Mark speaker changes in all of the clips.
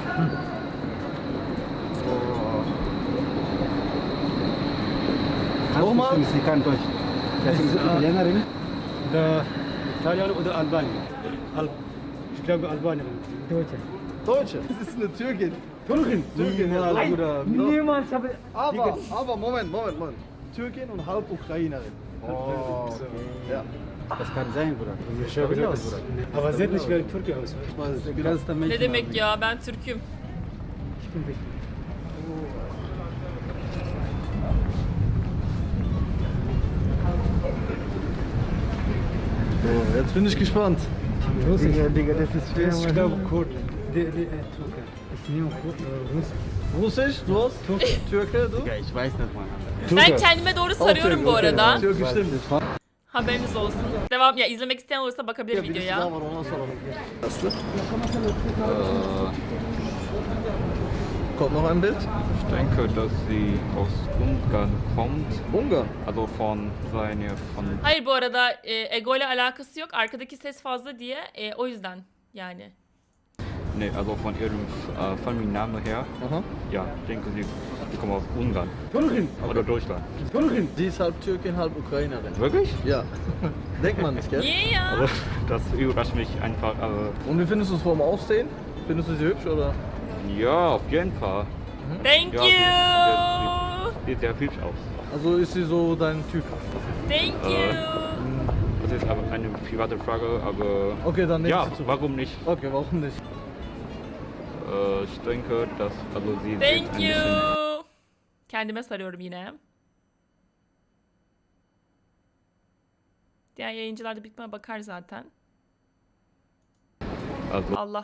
Speaker 1: Nochmal? Sie kann Deutsch. Das ist Italienerin.
Speaker 2: Da İtalyan oder Albanien. Ich glaube Albanierin. Deutsche.
Speaker 3: Deutsche. Das ist eine Türkin.
Speaker 2: Türkin.
Speaker 3: Türkin, ja,
Speaker 2: Nein,
Speaker 3: Bruder.
Speaker 2: niemals habe
Speaker 3: Aber Moment. Türkin und halb Ukrainerin.
Speaker 1: Oh, okay.
Speaker 3: Ja.
Speaker 1: Das kann sein, Bruder.
Speaker 2: Schau wieder aus. Aber sie hat nicht wie ein Türke aus.
Speaker 1: Kannst du mich
Speaker 4: Ne demek ya, ben Türk'üm.
Speaker 2: Ich bin wichtig.
Speaker 3: So, jetzt bin ich gespannt.
Speaker 2: Russisch.
Speaker 1: Digga, das ist schwer.
Speaker 2: Ich glaube Kurd. Türke. Ich nehme Russisch.
Speaker 3: Russisch, du hast? Türke, du?
Speaker 1: Digga, ich weiß nicht, Mann.
Speaker 4: Ben kendime doğru sarıyorum bu arada.
Speaker 3: Türkisch stimmt.
Speaker 4: Haberiniz olsun. Devam ya, izlemek isteyen olursa bakabilir
Speaker 3: Ja, birisi daha
Speaker 4: videoya.
Speaker 3: var ona soralım. Nasıl? Kommt noch ein Bild?
Speaker 5: Ich denke, dass sie aus Ungarn kommt.
Speaker 3: Ungarn.
Speaker 5: Also von
Speaker 4: Hayır, bu arada ego ile alakası yok. Arkadaki ses fazla diye o yüzden yani.
Speaker 5: nee, also von ihrem Familiennamen her.
Speaker 3: Aha.
Speaker 5: Ja, ich denke, sie kommt aus Ungarn
Speaker 2: Türkin.
Speaker 5: oder Deutschland.
Speaker 2: Türkin.
Speaker 3: Sie ist halb Türkin, halb Ukrainerin.
Speaker 5: Wirklich?
Speaker 3: Ja. Denkt man nicht, gell?
Speaker 4: Niye ya?
Speaker 5: Also, das überrascht mich einfach.
Speaker 3: Und wie findest du es vom Aussehen? Findest du sie hübsch oder?
Speaker 5: Ja, auf jeden Fall.
Speaker 4: Thank
Speaker 5: Ja,
Speaker 4: you.
Speaker 5: sieht sehr hübsch aus.
Speaker 3: Also ist sie so dein Typ?
Speaker 4: Thank you.
Speaker 5: Das ist aber eine private Frage, aber
Speaker 3: Okay, dann nehme
Speaker 5: ja,
Speaker 3: ich sie zurück.
Speaker 5: warum nicht?
Speaker 3: Okay, warum nicht?
Speaker 5: Ich denke, dass also sie sieht
Speaker 4: Thank
Speaker 5: ein
Speaker 4: you.
Speaker 5: bisschen
Speaker 4: Kendime sarıyorum yine. Diğer yayıncılar da bitmeye bakar zaten.
Speaker 5: also
Speaker 4: Allah.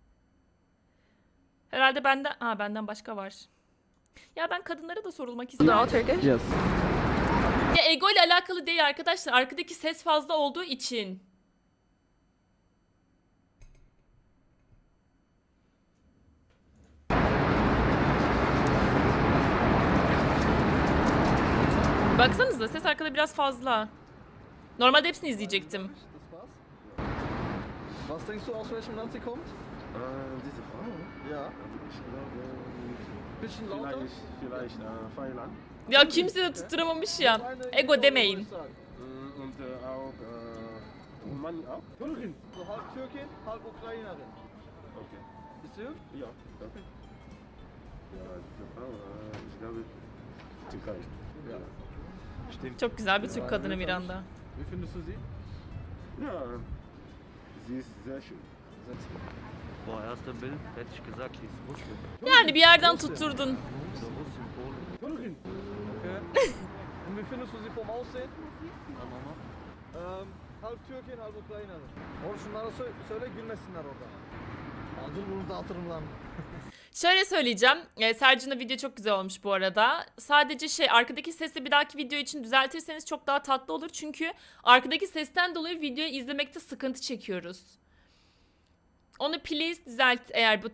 Speaker 4: Herhalde benden başka var. Ya ben kadınlara da sorulmak isterim.
Speaker 3: Yes.
Speaker 4: Ya ego ile alakalı değil arkadaşlar. Arkadaki ses fazla olduğu için. Baksanıza, ses arkada biraz fazla. Normalde hepsini izleyecektim.
Speaker 3: Das war's? Was denkst du, aus welchem Land sie kommt?
Speaker 6: Diese Frau,
Speaker 3: Ja.
Speaker 6: ich glaube,
Speaker 3: Bisschen lauter?
Speaker 6: vielleicht Thailand.
Speaker 4: Ya kimse de tutturamamış ya. Ego demeyin.
Speaker 6: Und auch Rumänien auch?
Speaker 2: Türkin.
Speaker 3: So halb Türkin, halb Ukrainerin.
Speaker 6: Okay.
Speaker 3: Ist sie hübsch?
Speaker 6: Ja, okay. Ja, diese Frau, ich glaube, Türkei.
Speaker 3: Ja.
Speaker 6: Stimmt.
Speaker 4: Çok güzel bir Türk kadını Miranda.
Speaker 3: Wie findest du sie?
Speaker 6: Ja, sie ist sehr schön.
Speaker 7: Boah, erster Bild hätte ich gesagt, die ist Russin.
Speaker 4: Yani bir yerden tutturdun.
Speaker 7: So Russin, Polen.
Speaker 2: Türkin.
Speaker 3: Okay. Und wie findest du sie vom Aussehen?
Speaker 7: Dann nochmal.
Speaker 3: Halb Türkin, halb Ukrainerin. Oğlum şunlara söyle gülmesinler orada. Dur bunu dağıtırım lan.
Speaker 4: Şöyle söyleyeceğim. Sercan'ın video çok güzel olmuş bu arada. Sadece arkadaki sesi bir dahaki video için düzeltirseniz çok daha tatlı olur. Çünkü arkadaki sesten dolayı videoyu izlemekte sıkıntı çekiyoruz. Onu please düzelt eğer bu